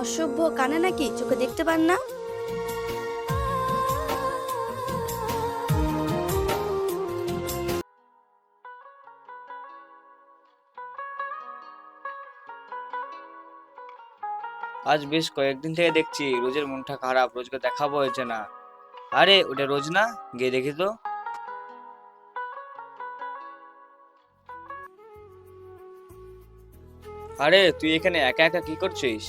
অসভ্য, কানে নাকি, চোখে দেখতে পান না? আজ বেশ কয়েকদিন থেকে দেখছি রোজের মনটা খারাপ, রোজকে দেখাবো হয়েছে না। আরে ওটা রোজ না, গিয়ে দেখি তো। আরে তুই এখানে একা একা কি করছিস?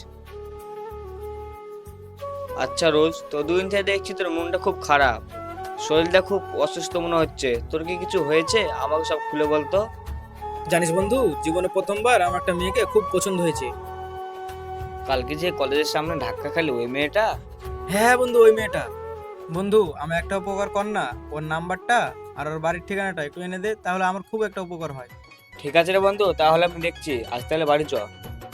আচ্ছা রোজ, তো দুদিন থেকে দেখছি তোর মনটা খুব খারাপ, শরীরটা খুব অসুস্থ মনে হচ্ছে। তোর কি কিছু হয়েছে? আমাকে সব খুলে বলতো। জানিস বন্ধু, জীবনে প্রথমবার আমার একটা মেয়েকে খুব পছন্দ হয়েছে। কালকে যে কলেজের সামনে ধাক্কা খালি, ওই মেয়েটা? হ্যাঁ হ্যাঁ বন্ধু, ওই মেয়েটা। বন্ধু, আমার একটা উপকার কর না, ওর নাম্বারটা আর ওর বাড়ির ঠিকানাটা একটু এনে দে, তাহলে আমার খুব একটা উপকার হয়। ঠিক আছে রে বন্ধু, তাহলে আমি দেখছি। আজ তাহলে বাড়ি চ।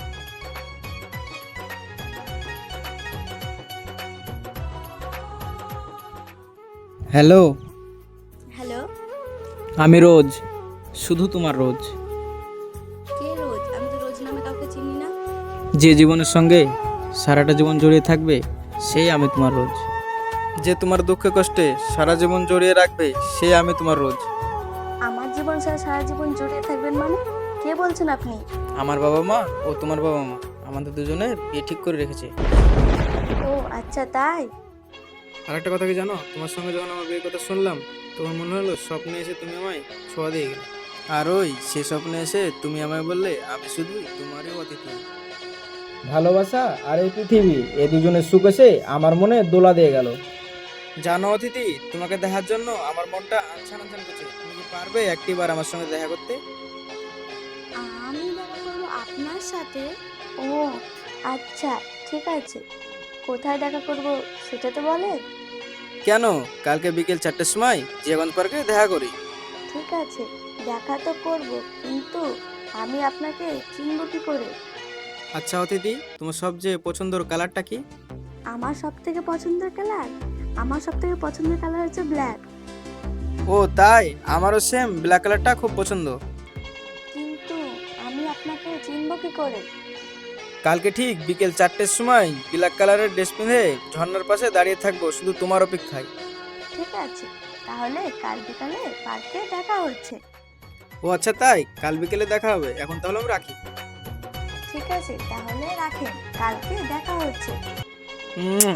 Hello, hello. আমি রোজ, শুধু তোমার রোজ। কে রোজ? আমি তো রোজ নামে কাউকে চিনি না। যে জীবনের সঙ্গে সারাটা জীবন জড়িয়ে থাকবে, সেই আমি তোমার রোজ। যে তোমার দুঃখে কষ্টে সারা জীবন জড়িয়ে রাখবে, সেই আমি তোমার রোজ। আমার জীবন সারা সারা জীবন জড়িয়ে থাকবেন মানে? কে বলছেন আপনি? আমার বাবা মা ও তোমার বাবা মা আমাদের দুজনের বিয়ে ঠিক করে রেখেছে। ও আচ্ছা, তাই? আর একটা কথা কি জানো, তোমার সঙ্গে যখন আমার বিয়ের কথা শুনলাম, তোমার মনে হলো স্বপ্নে এসে তুমি আমায় ছোঁয়া দিয়ে গেলে। আর ওই সে স্বপ্নে এসে তুমি আমায় বললে আমি শুধু তোমারই অতিথি। ভালোবাসা আর এই পৃথিবী, এই দুজনের সুখ এসে আমার মনে দোলা দিয়ে গেল। জানো অতিথি, তোমাকে দেখার জন্য আমার মনটা আনছান আনছান করছে। তুমি কি পারবে একটিবার আমার সঙ্গে দেখা করতে? আমি দেখা করবো আপনার সাথে? ও আচ্ছা, ঠিক আছে। কোথায় দেখা করব সেটা তো বলেন। কেন, কালকে বিকেল 4টের সময় জিয়াগঞ্জ পার্কে দেখা করি। ঠিক আছে, দেখা তো করব, কিন্তু আমি আপনাকে চিনব কি করে? আচ্ছা অতিথি, তোমার সবচেয়ে পছন্দের কালারটা কি? আমার সব থেকে পছন্দের কালার? আমার সব থেকে পছন্দের কালার হচ্ছে ব্ল্যাক। ও তাই, আমারও সেম ব্ল্যাক কালারটা খুব পছন্দ। কিন্তু আমি আপনাকে চিনব কি করে? কালকে ঠিক বিকেল 4টের সময় ব্ল্যাক কালারের ড্রেস পিঁধে ঝর্ণার পাশে দাঁড়িয়ে থাকবো শুধু তোমার অপেক্ষায়। ঠিক আছে, তাহলে কাল বিকালে পার্কে দেখা হচ্ছে। ও আচ্ছা তাই, কাল বিকেলে দেখা হবে। এখন তাহলে আমি রাখি। ঠিক আছে, তাহলে রাখেন, কালকে দেখা হচ্ছে। উম,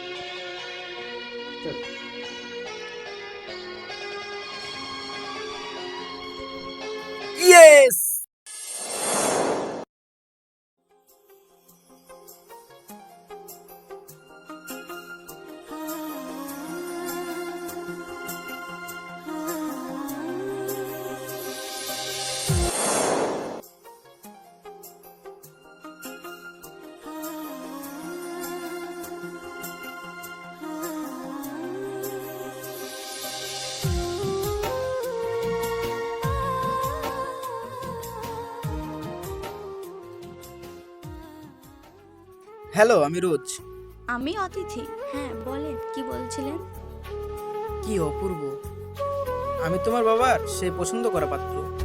ইয়েস। হ্যালো, আমি রোজ। আমি অতিথি। হ্যাঁ বলেন, কি বলছিলেন? কি অপূর্ব, আমি তোমার বাবার সেই পছন্দ করা পাত্র।